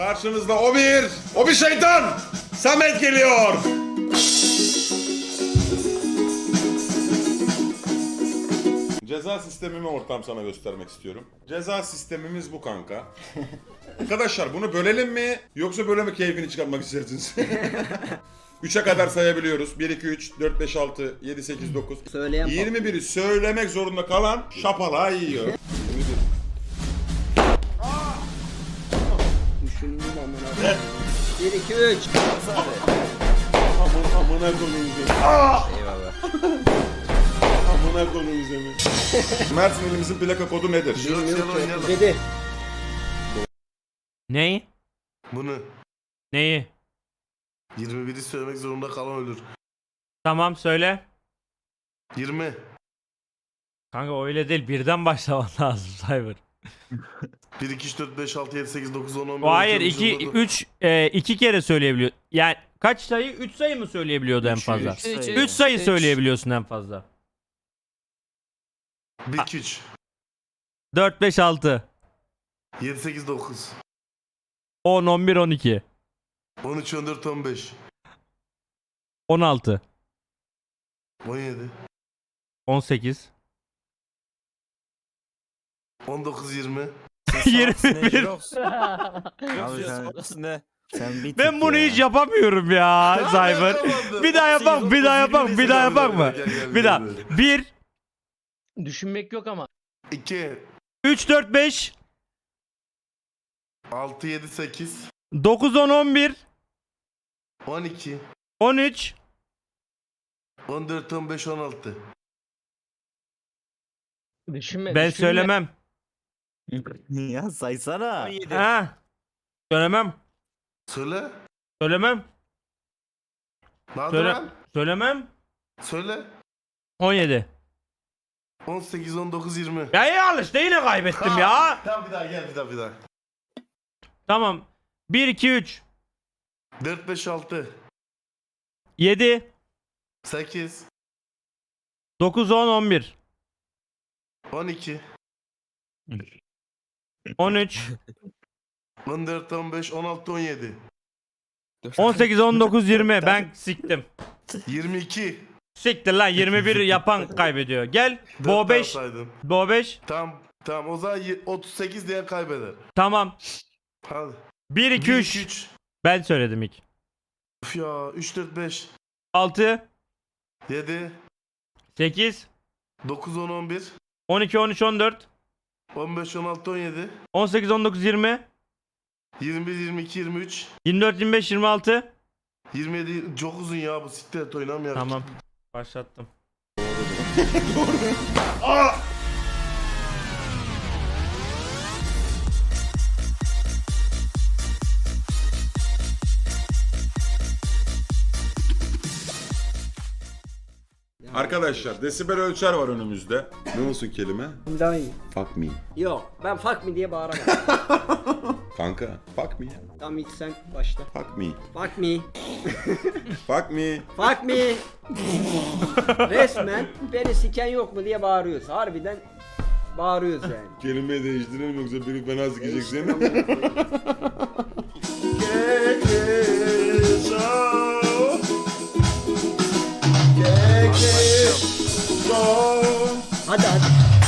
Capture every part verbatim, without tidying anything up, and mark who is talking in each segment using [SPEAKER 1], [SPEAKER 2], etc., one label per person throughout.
[SPEAKER 1] Karşınızda o bir, o bir şeytan. Samet geliyor. Ceza sistemimi ortam sana göstermek istiyorum. Ceza sistemimiz bu kanka. Arkadaşlar bunu bölelim mi yoksa böyle mi keyfini çıkartmak istersiniz? üçe kadar sayabiliyoruz. bir, iki, üç, dört, beş, altı, yedi, sekiz, dokuz.
[SPEAKER 2] Söyleyen
[SPEAKER 1] yirmi biri söylemek zorunda kalan şapala yiyor.
[SPEAKER 2] Düşündüm amına. bir iki üç.
[SPEAKER 1] Aman amına koyayım seni.
[SPEAKER 2] Eyvallah.
[SPEAKER 1] Amına koyayım seni. Mersin ilimizin plaka kodu nedir?
[SPEAKER 2] Dedi.
[SPEAKER 3] Neyi?
[SPEAKER 4] Bunu
[SPEAKER 3] Neyi?
[SPEAKER 4] yirmi biri söylemek zorunda kalan ölür.
[SPEAKER 3] Tamam söyle.
[SPEAKER 4] yirmi.
[SPEAKER 3] Kanka öyle değil, birden başlaman lazım Cyber.
[SPEAKER 4] bir, iki, üç, dört, beş, altı, yedi, sekiz, dokuz, on, on bir,
[SPEAKER 3] O hayır
[SPEAKER 4] on iki,
[SPEAKER 3] iki
[SPEAKER 4] on dokuz.
[SPEAKER 3] üç e, iki kere söyleyebiliyor. Yani kaç sayı? üç sayı mı söyleyebiliyordu en fazla? üç sayı söyleyebiliyorsun en fazla.
[SPEAKER 4] bir, iki, üç.
[SPEAKER 3] dört beş altı
[SPEAKER 4] yedi, sekiz, dokuz.
[SPEAKER 3] on on bir on iki
[SPEAKER 4] on üç, on dört, on beş.
[SPEAKER 3] on altı
[SPEAKER 4] on yedi.
[SPEAKER 3] on sekiz
[SPEAKER 4] on dokuz, yirmi.
[SPEAKER 3] yirmi bir.
[SPEAKER 5] Abi sen, ne? Sen bir
[SPEAKER 3] Ben bunu hiç yapamıyorum ya Cyber. Bir daha yapak, bir daha yapak, bir daha yapak mı? Bir daha. bir
[SPEAKER 6] Düşünmek yok ama.
[SPEAKER 4] iki.
[SPEAKER 3] üç dört beş
[SPEAKER 4] altı, yedi, sekiz.
[SPEAKER 3] dokuz on on bir
[SPEAKER 4] on iki.
[SPEAKER 3] on üç
[SPEAKER 4] on dört, on beş, on altı.
[SPEAKER 6] Düşünme.
[SPEAKER 3] Ben
[SPEAKER 6] düşünme.
[SPEAKER 3] söylemem.
[SPEAKER 5] ya saysana.
[SPEAKER 3] Ha. Söylemem.
[SPEAKER 4] Söyle.
[SPEAKER 3] Söylemem.
[SPEAKER 4] Nadir
[SPEAKER 3] Söyle.
[SPEAKER 4] lan.
[SPEAKER 3] Söylemem.
[SPEAKER 4] Söyle.
[SPEAKER 3] on yedi.
[SPEAKER 4] on sekiz, on dokuz, yirmi.
[SPEAKER 3] Ya iyi al işte, yine kaybettim ya.
[SPEAKER 4] Tamam bir daha gel bir daha bir daha.
[SPEAKER 3] Tamam. bir iki üç
[SPEAKER 4] dört, beş, altı.
[SPEAKER 3] yedi
[SPEAKER 4] sekiz.
[SPEAKER 3] dokuz on on bir
[SPEAKER 4] on iki.
[SPEAKER 3] on üç
[SPEAKER 4] on dört, on beş, on altı, on yedi.
[SPEAKER 3] on sekiz on dokuz yirmi. Ben siktim.
[SPEAKER 4] yirmi iki.
[SPEAKER 3] Siktir lan, yirmi bir yapan kaybediyor. Gel. Bo beş. Bo beş.
[SPEAKER 4] Tamam tamam o zaman y- otuz sekiz diye kaybeder.
[SPEAKER 3] Tamam.
[SPEAKER 4] Hadi.
[SPEAKER 3] bir iki üç.
[SPEAKER 4] üç.
[SPEAKER 3] Ben söyledim ilk.
[SPEAKER 4] Uf ya üç, dört, beş.
[SPEAKER 3] altı
[SPEAKER 4] yedi.
[SPEAKER 3] sekiz
[SPEAKER 4] dokuz, on, on bir.
[SPEAKER 3] on iki on üç on dört
[SPEAKER 4] on beş, on altı, on yedi.
[SPEAKER 3] on sekiz on dokuz yirmi
[SPEAKER 4] yirmi bir, yirmi iki, yirmi üç.
[SPEAKER 3] yirmi dört yirmi beş yirmi altı.
[SPEAKER 4] yirmi yedi çok uzun ya bu siktir et oynamıyor.
[SPEAKER 3] Tamam. Başlattım.
[SPEAKER 1] Arkadaşlar desibel ölçer var önümüzde. Ne olsun kelime?
[SPEAKER 2] Daha iyi.
[SPEAKER 1] Fuck me.
[SPEAKER 2] Yok ben fuck me diye bağıramam.
[SPEAKER 1] Kanka fuck me.
[SPEAKER 2] Tamam ilk sen başla.
[SPEAKER 1] Fuck me.
[SPEAKER 2] Fuck me.
[SPEAKER 1] Fuck me.
[SPEAKER 2] Fuck me. Resmen beni siken yok mu diye bağırıyoruz. Harbiden bağırıyoruz yani.
[SPEAKER 1] Kelimeyi değiştirelim yoksa biri fena sikecek seni.
[SPEAKER 2] Hadi hadi.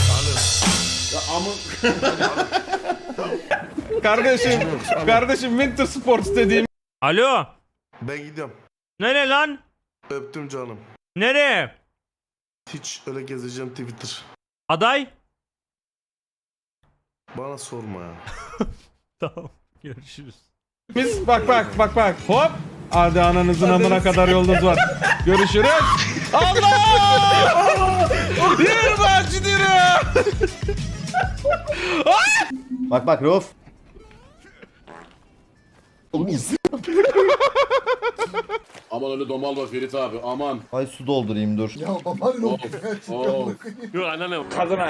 [SPEAKER 7] Kardeşim, kardeşim Winter Sports dediğim
[SPEAKER 3] Alo.
[SPEAKER 4] Ben gidiyorum.
[SPEAKER 3] Nereye lan?
[SPEAKER 4] Öptüm canım.
[SPEAKER 3] Nereye?
[SPEAKER 4] Hiç öyle gezeceğim Twitter.
[SPEAKER 3] Aday?
[SPEAKER 4] Bana sorma ya.
[SPEAKER 3] Tamam. Görüşürüz.
[SPEAKER 7] biz bak bak bak bak hop. Hadi ananızın amına kadar yolunuz var. Görüşürüz. Allah! Yürü bahçı yürü.
[SPEAKER 8] Bak bak Rauf.
[SPEAKER 9] Aman öyle domal bak Ferit abi aman.
[SPEAKER 8] Ay su doldurayım dur. Ya
[SPEAKER 9] Yok anneanne.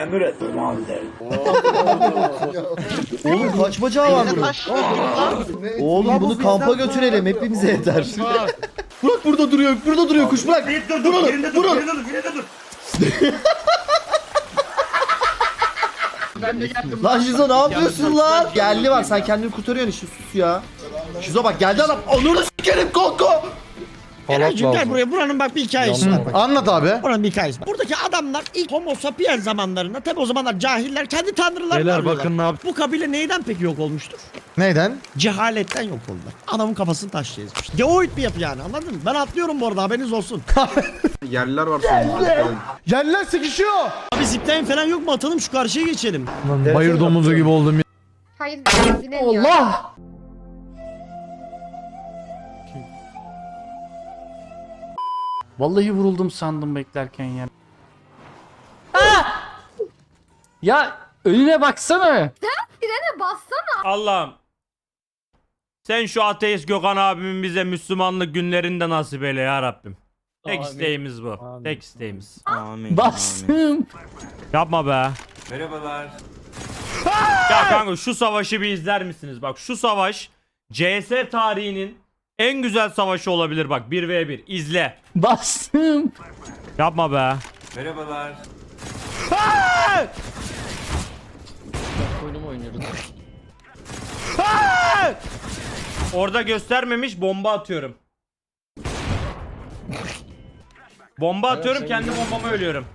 [SPEAKER 8] oğlum kaç bacağı var bunun? Oğlum bunu kampa götürelim hepimize yeter. Bırak burada duruyor, burada duruyor kuş bırak. Dur onu, dur onu.
[SPEAKER 6] Ben de geldim.
[SPEAKER 8] Lan Şizo ne yapıyorsun lan? Geldi var sen kendini kurtarıyorsun işte sus ya. Şizo bak geldi adam. Onunu s**erim Konko.
[SPEAKER 7] Gel
[SPEAKER 10] buraya. Buranın bak bir hikayesi var. Bak.
[SPEAKER 8] Anlat abi.
[SPEAKER 10] Buranın bir hikayesi var. Buradaki adamlar ilk homo sapiens zamanlarında tabi o zamanlar cahiller kendi tanrılarını
[SPEAKER 7] Beyler
[SPEAKER 10] arıyorlar.
[SPEAKER 7] bakın ne yaptı.
[SPEAKER 10] Bu kabile neyden peki yok olmuştur?
[SPEAKER 8] Neyden?
[SPEAKER 10] Cehaletten yok oldular. Adamın kafasını taşla ezmiş. Geoid bir yapı yani anladın mı? Ben atlıyorum bu arada haberiniz olsun.
[SPEAKER 7] Yerliler var sonunda.
[SPEAKER 8] Yerler sıkışıyor.
[SPEAKER 10] Abi zipline falan yok mu atalım şu karşıya geçelim.
[SPEAKER 7] Bayır domuzu gibi oldum ya.
[SPEAKER 11] Hayır bilemiyorum.
[SPEAKER 8] Allah.
[SPEAKER 5] Vallahi vuruldum sandım beklerken ya. Ya önüne baksana.
[SPEAKER 11] Frene bassana.
[SPEAKER 3] Allah'ım. Sen şu ateist Gökhan abimin bize Müslümanlık günlerinde nasip eyle ya Rabbim. Tek
[SPEAKER 6] Amin.
[SPEAKER 3] isteğimiz bu.
[SPEAKER 6] Amin.
[SPEAKER 3] Tek isteğimiz.
[SPEAKER 5] Amin. Bastım.
[SPEAKER 3] Yapma be. Merhabalar. Ya kanka şu savaşı bir izler misiniz? Bak şu savaş C S tarihinin en güzel savaşı olabilir bak bir ve bir. İzle.
[SPEAKER 5] Bastım.
[SPEAKER 3] Yapma be.
[SPEAKER 6] Oyunumu oynuyoruz.
[SPEAKER 3] Orada göstermemiş bomba atıyorum. Bomba atıyorum kendi bombama ölüyorum.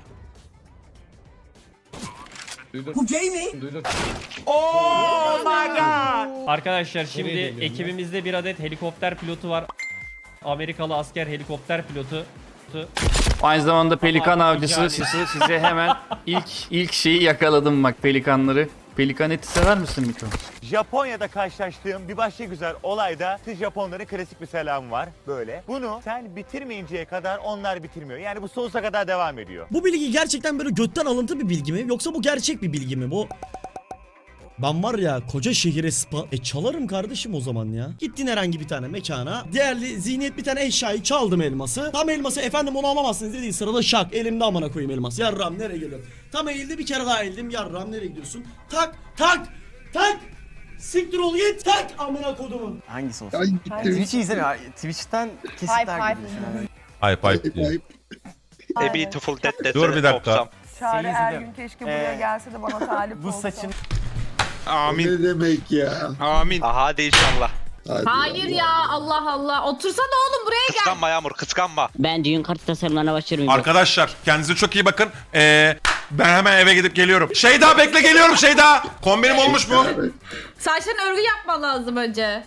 [SPEAKER 3] Oh my god. Arkadaşlar şimdi ekibimizde bir adet helikopter pilotu var. Amerikalı asker helikopter pilotu.
[SPEAKER 5] Aynı zamanda pelikan
[SPEAKER 3] Ama
[SPEAKER 5] avcısı
[SPEAKER 3] yani-
[SPEAKER 5] sizi size hemen ilk ilk şeyi yakaladım bak pelikanları. Pelikan eti sever misin Miko?
[SPEAKER 12] Japonya'da karşılaştığım bir başka güzel olayda siz Japonların klasik bir selamı var böyle. Bunu sen bitirmeyinceye kadar onlar bitirmiyor. Yani bu sonsuza kadar devam ediyor.
[SPEAKER 10] Bu bilgi gerçekten böyle götten alıntı bir bilgi mi? Yoksa bu gerçek bir bilgi mi? Bu... Ben var ya koca şehire spa... E çalarım kardeşim o zaman ya. Gittin herhangi bir tane mekana. Değerli zihniyet bir tane eşyayı çaldım elması. Tam elması efendim onu alamazsınız dediği sırada şak. Elimde amına koyayım elmas. Yarram nereye geliyorum? Tam eğildi bir kere daha eğildim. Yarram nereye gidiyorsun? Tak tak tak. Siktir ol git tak amına kodumun.
[SPEAKER 5] Hangisi olsun? Twitch'i izlemiyor. Twitch'ten kesitler gibi düşün.
[SPEAKER 1] Ayıp ayıp diyor.
[SPEAKER 11] A beautiful
[SPEAKER 1] Dur bir dakika.
[SPEAKER 11] Çağrı
[SPEAKER 5] Seyirci
[SPEAKER 11] her
[SPEAKER 5] de-
[SPEAKER 11] gün keşke buraya gelse de bana talip
[SPEAKER 5] Bu
[SPEAKER 11] olsa.
[SPEAKER 5] saçın
[SPEAKER 9] Amin. Ne demek ya?
[SPEAKER 12] Amin.
[SPEAKER 9] Aha de inşallah.
[SPEAKER 11] Hayır ya Allah Allah. Otursana oğlum buraya gel.
[SPEAKER 12] Kıskanma Yağmur kıskanma.
[SPEAKER 2] Ben düğün kartı tasarımlarına başlıyorum.
[SPEAKER 1] Arkadaşlar kendinize çok iyi bakın. Ee, ben hemen eve gidip geliyorum. Şeyda bekle geliyorum Şeyda. Kombinim olmuş mu?
[SPEAKER 11] Saçlarına örgü yapman lazım önce.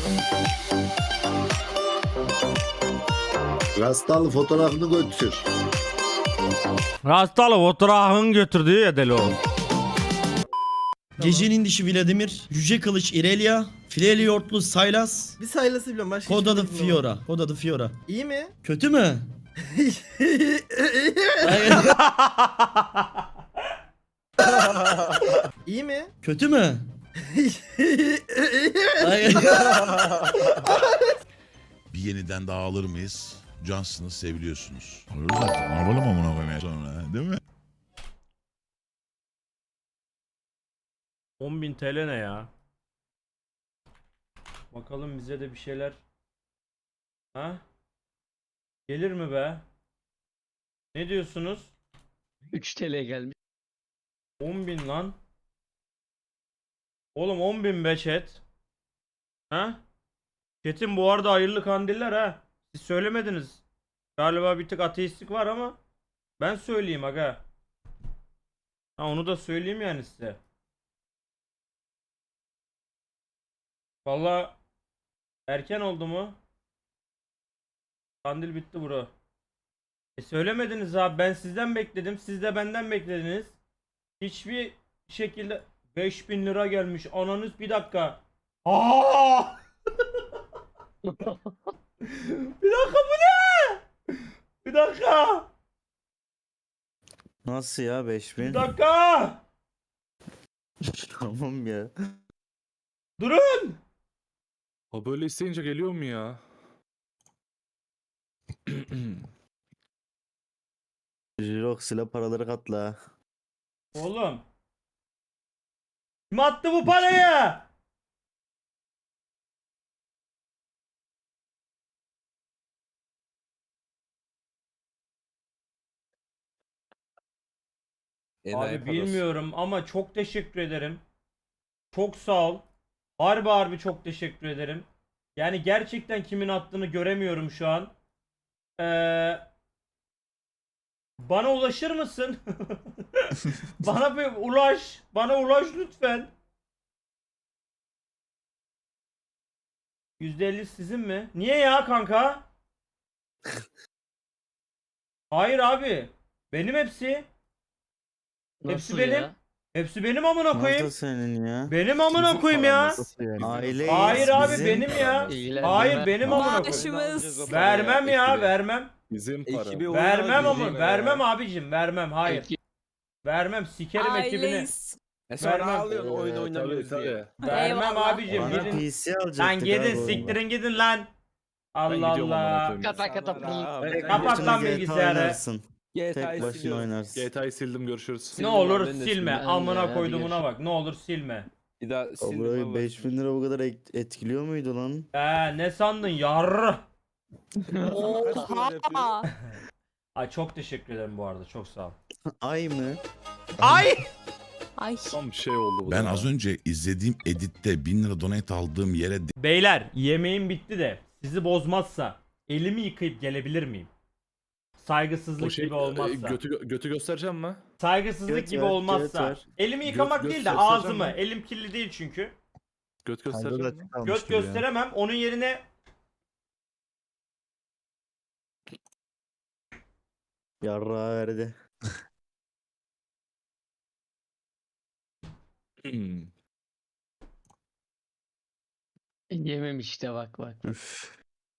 [SPEAKER 9] Rastalı fotoğrafını götür.
[SPEAKER 3] Rastalı fotoğrafını götürdüğü ya deli oğlum.
[SPEAKER 10] Gecenin dişi Vladimir, Yüce Kılıç Irelia, Fileli Yortlu Sylas,
[SPEAKER 12] Bir sayılası biliyorum başka
[SPEAKER 10] Kod adı Fiora. Kod adı Fiora.
[SPEAKER 12] İyi mi?
[SPEAKER 10] Kötü mü?
[SPEAKER 12] İyi mi?
[SPEAKER 10] Kötü mü?
[SPEAKER 9] Bir yeniden daha alır mıyız? Johnson'ı seviliyorsunuz. Alırız artık. Ne yapalım amına koymaya sonra değil mi?
[SPEAKER 3] on bin T L ne ya? Bakalım bize de bir şeyler. Ha? Gelir mi be? Ne diyorsunuz?
[SPEAKER 6] üç T L gelmiş.
[SPEAKER 3] on bin lan. Oğlum on bin be chat. Ha? Chat'in bu arada hayırlı kandiller ha. Siz söylemediniz. Galiba bir tık ateistlik var ama ben söyleyeyim aga. Ha onu da söyleyeyim yani size. Vallahi erken oldu mu? Kandil bitti bro. E söylemediniz abi ben sizden bekledim siz de benden beklediniz. Hiçbir şekilde beş bin lira gelmiş ananız bir dakika. Aa! Bir dakika bu ne? Bir dakika.
[SPEAKER 5] Nasıl ya beş bin?
[SPEAKER 3] Bir dakika.
[SPEAKER 5] Tamam ya.
[SPEAKER 3] Durun.
[SPEAKER 7] O böyle isteyince geliyor mu ya?
[SPEAKER 5] Jirok silah paraları katla.
[SPEAKER 3] Oğlum. Kim attı bu parayı? Abi bilmiyorum ama çok teşekkür ederim. Çok sağ ol. Harbi harbi çok teşekkür ederim. Yani gerçekten kimin attığını göremiyorum şu an. Ee, bana ulaşır mısın? Bana bir ulaş. Bana ulaş lütfen. yüzde elli sizin mi? Niye ya kanka? Hayır abi. Benim hepsi. Hepsi
[SPEAKER 6] Nasıl
[SPEAKER 3] benim.
[SPEAKER 6] ya?
[SPEAKER 3] Hepsi benim amına koyayım.
[SPEAKER 8] senin ya?
[SPEAKER 3] Benim amına koyayım ya.
[SPEAKER 8] Aileyiz.
[SPEAKER 3] Hayır abi
[SPEAKER 8] bizim.
[SPEAKER 3] benim ya.
[SPEAKER 6] İlgilendirme.
[SPEAKER 3] Hayır benim amına koyayım. Vermem ya, vermem.
[SPEAKER 7] Bizim para.
[SPEAKER 3] Vermem ama vermem abicim, vermem. Hayır.
[SPEAKER 6] Ekip-
[SPEAKER 3] Vermem, sikerim ekibini. Vermem.
[SPEAKER 7] oyun oynamıyoruz diye.
[SPEAKER 3] Vermem
[SPEAKER 11] Eyvallah.
[SPEAKER 3] abicim. Gidin.
[SPEAKER 8] P C alacaktık
[SPEAKER 3] Lan gidin
[SPEAKER 8] abi.
[SPEAKER 3] siktirin gidin lan. Allah Allah.
[SPEAKER 6] Kata kata pıl.
[SPEAKER 3] Kapat lan
[SPEAKER 8] G T A
[SPEAKER 3] bilgisayarı.
[SPEAKER 8] oynarsın. Tek başına oynarsın.
[SPEAKER 7] G T A'yı sildim görüşürüz.
[SPEAKER 3] Ne olur silme.
[SPEAKER 6] Ben de,
[SPEAKER 3] Amına
[SPEAKER 6] hadi
[SPEAKER 3] koydumuna bak. Ne olur silme.
[SPEAKER 8] Burayı beş bin lira bu kadar et- etkiliyor muydu lan?
[SPEAKER 3] Ee, ne sandın yarrı?
[SPEAKER 11] Oha.
[SPEAKER 3] Ay çok teşekkür ederim bu arada. Çok sağ ol.
[SPEAKER 8] Ay mı?
[SPEAKER 3] Ay!
[SPEAKER 11] Ay.
[SPEAKER 7] Tam bir şey oldu bu.
[SPEAKER 9] Ben az önce izlediğim editte bin lira donate aldığım yere
[SPEAKER 3] Beyler yemeğim bitti de sizi bozmazsa elimi yıkayıp gelebilir miyim? Saygısızlık
[SPEAKER 7] şey,
[SPEAKER 3] gibi olmazsa.
[SPEAKER 7] götü, götü göstereceğim mi?
[SPEAKER 3] Saygısızlık
[SPEAKER 8] Göt
[SPEAKER 3] gibi
[SPEAKER 8] ver,
[SPEAKER 3] olmazsa.
[SPEAKER 8] göt ver.
[SPEAKER 3] Elimi yıkamak
[SPEAKER 7] göt
[SPEAKER 3] değil de
[SPEAKER 7] göstereceğim
[SPEAKER 3] ağzımı.
[SPEAKER 7] mi?
[SPEAKER 3] Elim kirli değil çünkü.
[SPEAKER 7] Göt göstereceğim mi?
[SPEAKER 3] Göt gösteremem. Onun yerine
[SPEAKER 8] Yarra verdi.
[SPEAKER 7] Hmm.
[SPEAKER 6] Yemem işte bak bak.
[SPEAKER 8] Üf.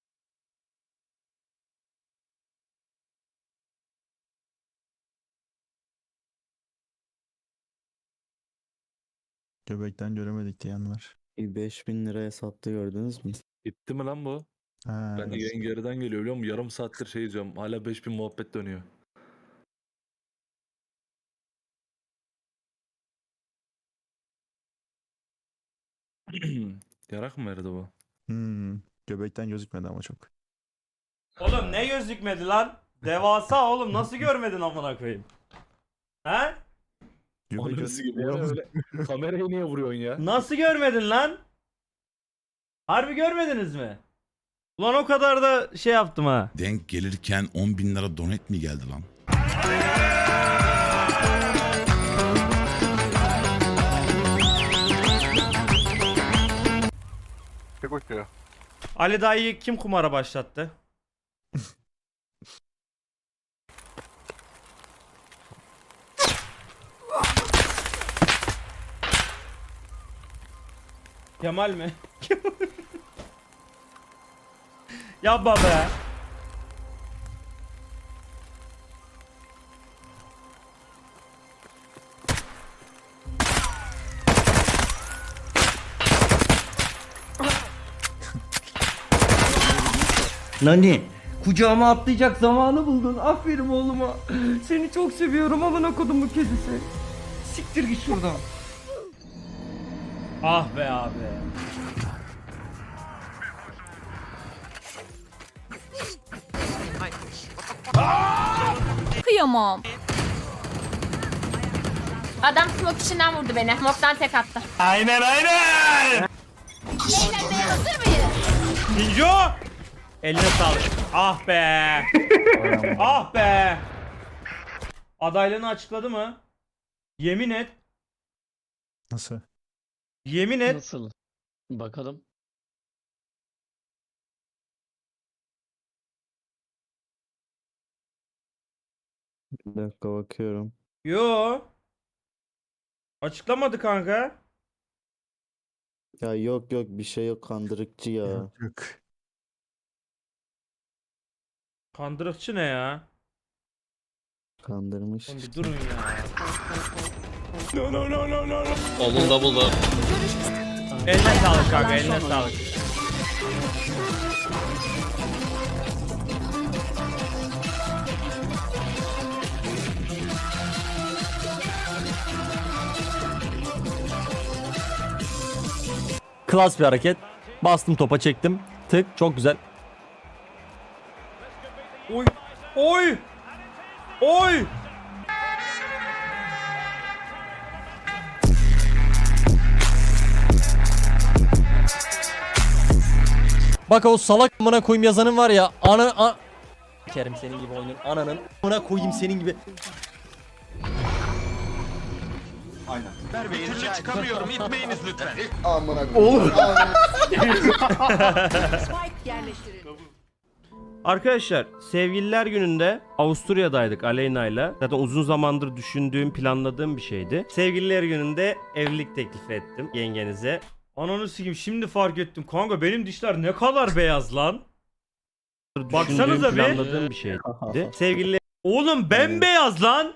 [SPEAKER 13] Göbekten göremedik diyenler.
[SPEAKER 8] beş bin liraya sattı gördünüz mü?
[SPEAKER 7] Gitti mi lan bu?
[SPEAKER 13] Ha,
[SPEAKER 7] Ben de yayın geriden geliyor biliyor musun? Yarım saattir şey izliyorum. Hala beş bin muhabbet dönüyor. Yarak mı verdi bu?
[SPEAKER 13] hmm, göbekten gözükmedi ama çok.
[SPEAKER 3] oğlum ne gözükmedi lan? Devasa oğlum nasıl görmedin amına koyayım? He?
[SPEAKER 13] Göbek
[SPEAKER 7] Ananı gibi.
[SPEAKER 13] gözükmüyor.
[SPEAKER 7] Öyle, kamerayı niye vuruyorsun ya?
[SPEAKER 3] Nasıl görmedin lan? Harbi görmediniz mi? Ulan o kadar da şey yaptım ha.
[SPEAKER 9] denk gelirken on bin lira donate mi geldi lan?
[SPEAKER 3] Ali dayıyı kim kumara başlattı? Kemal mi? Yapma be.
[SPEAKER 2] Nani? Kucağıma atlayacak zamanı buldun. Aferin oğluma. Seni çok seviyorum amına kodumun kedisi. Siktir git şuradan.
[SPEAKER 3] Ah be abi.
[SPEAKER 11] Kıyamam. Adam smoke içinden vurdu beni. Smoke'tan tek attı.
[SPEAKER 3] Aynen aynen.
[SPEAKER 11] Eğlenmeye hazır mıyız?
[SPEAKER 3] Ninjo. Eline sağlık. Ah be. Ah be. Adaylığını açıkladı mı? Yemin et.
[SPEAKER 13] Nasıl?
[SPEAKER 3] Yemin et.
[SPEAKER 6] Nasıl? Bakalım.
[SPEAKER 8] Bir dakika bakıyorum.
[SPEAKER 3] Yo. Açıklamadı kanka.
[SPEAKER 8] Ya yok yok bir şey yok kandırıkçı ya.
[SPEAKER 13] Yok yok.
[SPEAKER 3] Kandırıkçı ne ya?
[SPEAKER 8] Kandırmış.
[SPEAKER 3] Oğlum bir durun ya.
[SPEAKER 6] Olun da buldu.
[SPEAKER 3] Eline sağlık kanka, eline sağlık.
[SPEAKER 2] Klas bir hareket. Bastım topa çektim. Tık çok güzel.
[SPEAKER 3] Oy! Oy! Oy!
[SPEAKER 2] Bak o salak amına koyayım yazanın var ya. Ana a... Kerim senin gibi oyunun ananın amına koyayım senin gibi.
[SPEAKER 12] çıkamıyorum. İtmeyiniz lütfen.
[SPEAKER 8] Oğlum.
[SPEAKER 3] Arkadaşlar sevgililer gününde Avusturya'daydık Aleyna'yla. Zaten uzun zamandır düşündüğüm, planladığım bir şeydi. Sevgililer gününde evlilik teklifi ettim yengenize. Ananı sikeyim şimdi fark ettim. Kanka benim dişler ne kadar beyaz lan. Baksanıza bir. Planladığım bir şeydi. Sevgililer... Oğlum bembeyaz lan.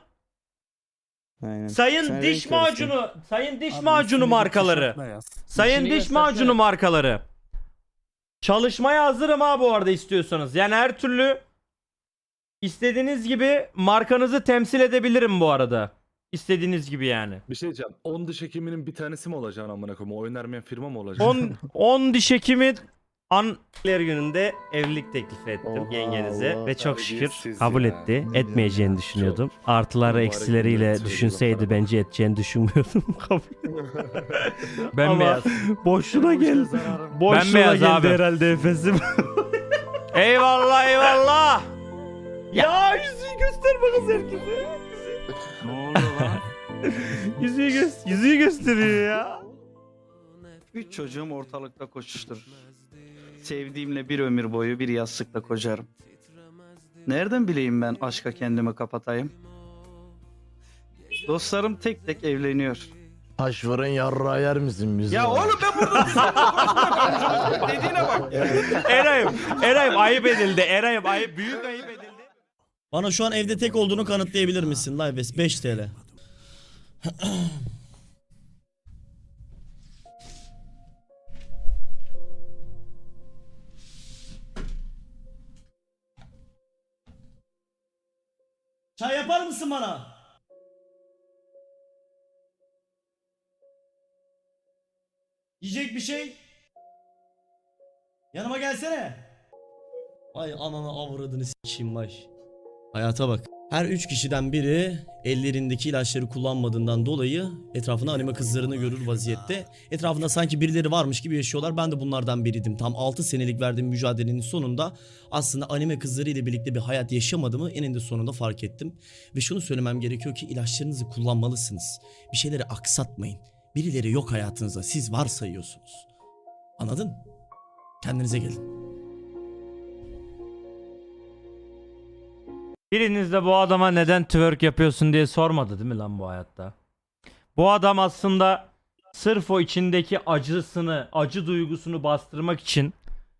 [SPEAKER 3] Sayın diş macunu, sayın diş macunu markaları. Sayın diş macunu markaları. Çalışmaya hazırım ha bu arada istiyorsanız. Yani her türlü istediğiniz gibi markanızı temsil edebilirim bu arada. İstediğiniz gibi yani.
[SPEAKER 7] Bir şey diyeceğim. on diş hekiminin bir tanesi mi olacaksın amına koyayım? Oyun vermeyen firma mı olacaksın?
[SPEAKER 3] on on diş hekimi anneler gününde evlilik teklifi ettim
[SPEAKER 8] Oha,
[SPEAKER 3] yengenize
[SPEAKER 8] Allah,
[SPEAKER 3] ve çok şükür
[SPEAKER 7] terbiyesiz
[SPEAKER 3] kabul
[SPEAKER 7] ya.
[SPEAKER 3] etti. Etmeyeceğini düşünüyordum. Artıları
[SPEAKER 7] Mübarek
[SPEAKER 3] eksileriyle
[SPEAKER 7] millet
[SPEAKER 3] düşünseydi
[SPEAKER 7] söylüyor
[SPEAKER 3] bence edeceğini düşünmüyordum.
[SPEAKER 2] Bembeyaz.
[SPEAKER 3] Boşuna gel. Boşuna
[SPEAKER 2] Bembeyaz
[SPEAKER 3] geldi
[SPEAKER 2] abi.
[SPEAKER 3] herhalde Efes'im. Eyvallah eyvallah. Ya yüzüğü gösterme kız herkese.
[SPEAKER 13] Ne oluyor lan?
[SPEAKER 3] yüzüğü, gö yüzüğü gösteriyor ya.
[SPEAKER 14] Üç çocuğum ortalıkta koşuşturur. Sevdiğimle bir ömür boyu bir yastıkta kocarım. Nereden bileyim ben aşka kendimi kapatayım? Dostlarım tek tek evleniyor.
[SPEAKER 8] Taş veren yarra yer misin bizi?
[SPEAKER 14] Ya oğlum ben burada dediğine bak.
[SPEAKER 3] Eray'ım, Eray'ım ayıp edildi. Eray'ım ayıp, büyük ayıp edildi.
[SPEAKER 10] Bana şu an evde tek olduğunu kanıtlayabilir misin? Lives beş TL. Çay yapar mısın bana? Yiyecek bir şey? Yanıma gelsene. Ay ananı avradını s**eyim baş. Hayata bak. Her üç kişiden biri ellerindeki ilaçları kullanmadığından dolayı etrafında anime kızlarını görür vaziyette. Etrafında sanki birileri varmış gibi yaşıyorlar. Ben de bunlardan biriydim. Tam altı senelik verdiğim mücadelenin sonunda aslında anime kızları ile birlikte bir hayat yaşamadığımı eninde sonunda fark ettim. Ve şunu söylemem gerekiyor ki ilaçlarınızı kullanmalısınız. Bir şeyleri aksatmayın. Birileri yok hayatınızda. Siz varsayıyorsunuz. Anladın? Kendinize gelin.
[SPEAKER 3] Biriniz de bu adama neden twerk yapıyorsun diye sormadı değil mi lan bu hayatta? Bu adam aslında sırf o içindeki acısını, acı duygusunu bastırmak için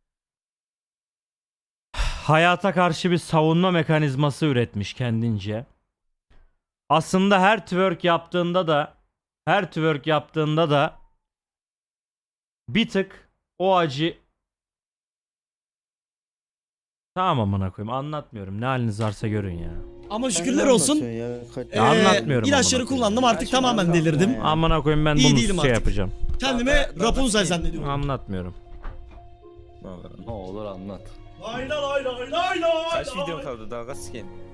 [SPEAKER 3] hayata karşı bir savunma mekanizması üretmiş kendince. Aslında her twerk yaptığında da her twerk yaptığında da bir tık o acı. Tamam amına koyayım anlatmıyorum. Ne haliniz varsa görün ya.
[SPEAKER 10] Ama şükürler olsun.
[SPEAKER 3] Ya
[SPEAKER 10] Ee,
[SPEAKER 3] anlatmıyorum.
[SPEAKER 10] İlaçları
[SPEAKER 3] amına koyayım.
[SPEAKER 10] kullandım artık tamamen delirdim.
[SPEAKER 3] Amına koyayım ben
[SPEAKER 10] İyi
[SPEAKER 3] bunu
[SPEAKER 10] değilim
[SPEAKER 3] şey
[SPEAKER 10] artık.
[SPEAKER 3] yapacağım.
[SPEAKER 10] Kendime Rapunzel zannediyorum.
[SPEAKER 3] Anlatmıyorum.
[SPEAKER 7] Ne olur anlat.
[SPEAKER 10] Lay lay lay lay lay.
[SPEAKER 7] Kaç videon kaldı daha kaç skin?